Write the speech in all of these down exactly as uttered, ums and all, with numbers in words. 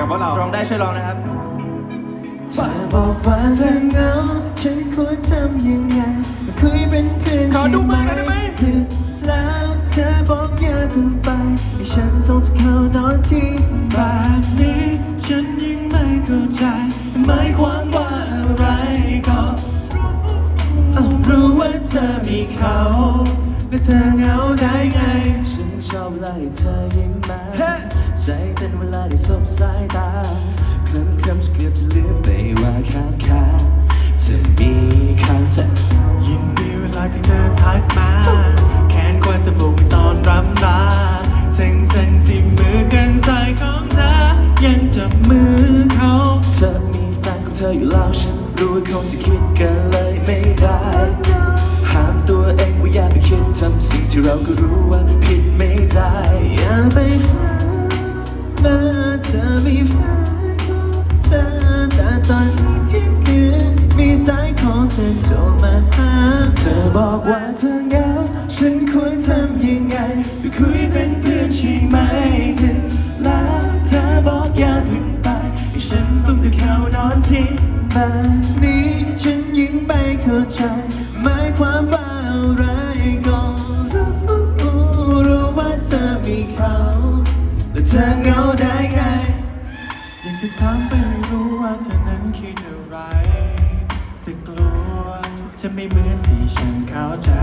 กับพวกเราร้องได้ช่วยร้องนะครับเธอบอกว่าเธอเหงาฉันควรทำยังไงคุยเป็นเพื่อนขอดูมือหน่อยได้ไหมแล้วเธอบอกอย่าเพิ่งไปให้ฉันส่งเธอเข้านอนที่แบบนี้ฉันยิ่งไม่เข้าใจหมายความว่าอะไรก็รู้รู้ว่าเธอมีเขาและเธอเหงาได้ไงฉันชอบเวลาที่เธอยิ้มมาใจเต้นเวลาที่สบสายตาเคลิ้มเคลิ้มจะเกือบจะลืมไปว่าข้างข้างเธอมีเขาเธอยินดีเวลาที่เธอทักมาแขนกว่าจะบุกตอนรำลาเซ็งเซ็งสิมือกันใส่ของเธอยังจับมือเขาเธอมีแฟนของเธออยู่แล้วฉันรู้ว่าคงจะคิดกันเลยไม่ได้ห้ามตัวเองว่าอย่าไปคิดทำสิ่งที่เราก็รู้ว่าผิดไม่ได้อย่าไปฝันเมื่อเธอมีแฟนของเธอแต่ตอนที่คืนมีสายของเธอโทรมาหาเธอบอกว่าเธอเหงาฉันควรทำยังไงไปคุยเป็นเพื่อนใช่ไหมดึกแล้วเธอบอกอย่าเพิ่งไปให้ฉันส่งเธอเข้านอนที่แบบนี้ฉันยิ่งไม่เข้าใจหมายความว่าอะไรก็รู้รู้ว่าเธอมีเขาและเธอเหงาได้ไงอยากจะถามไปรู้ว่าเธอนั้นคิดอะไรจะกลัวจะไม่เหมือนที่ฉันเข้าใจ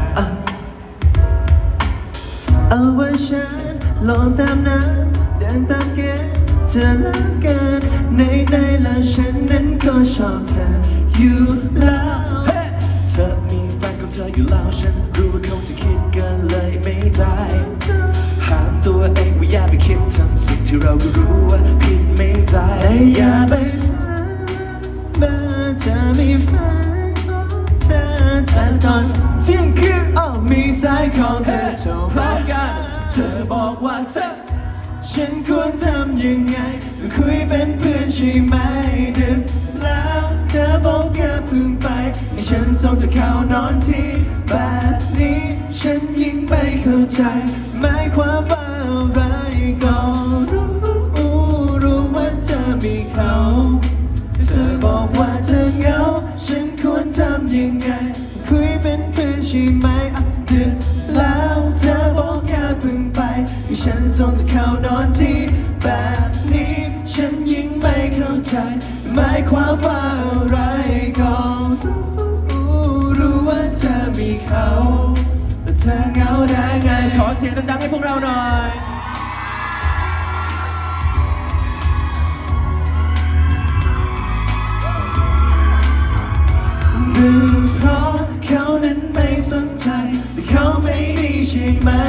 เอาว่าฉันลองตามน้ำเดินตามเกณฑ์เธอละกันในใจแล้วฉันนั้นก็ชอบเธออยู่แล้วเธอมีแฟนของเธออยู่แล้วฉันรู้ว่าคงจะคิดกันเลยไม่ได้ห้ามตัวเองว่าอย่าไปคิดทำสิ่งที่เราก็รู้ว่าผิดไม่ได้อย่าไปฝันเมื่อเธอมีแฟนของเธอแต่ตอนเที่ยงคืนอ้อมีสายของเธอโทรพร้อมกันเธอบอกว่าเธอฉันควรทำยังไงคุยเป็นเพื่อนใช่ไหมดึกแล้วเธอบอกอย่าเพิ่งไปให้ฉันส่งเธอเข้านอนที่แบบนี้ฉันยิ่งไม่เข้าใจหมายความว่าอะไรก็รู้รู้ว่าเธอมีเขาเธอบอกว่าเธอเหงาฉันควรทำยังไงคุยเป็นเพื่อนใช่ไหมดึกแล้วเธอบอกอย่าเพิ่งไปให้ฉันส่งเธอเข้านอนที่แบบนี้ฉันยิ่งไม่เข้าใจหมายความว่าอะไรก็รู้รู้ว่าเธอมีเขาแต่เธอเหงาได้ไงขอเสียงดังๆให้พวกเราหน่อยหรือเพราะเขานั้นไม่สนใจแต่เขาไม่ดีใช่ไหม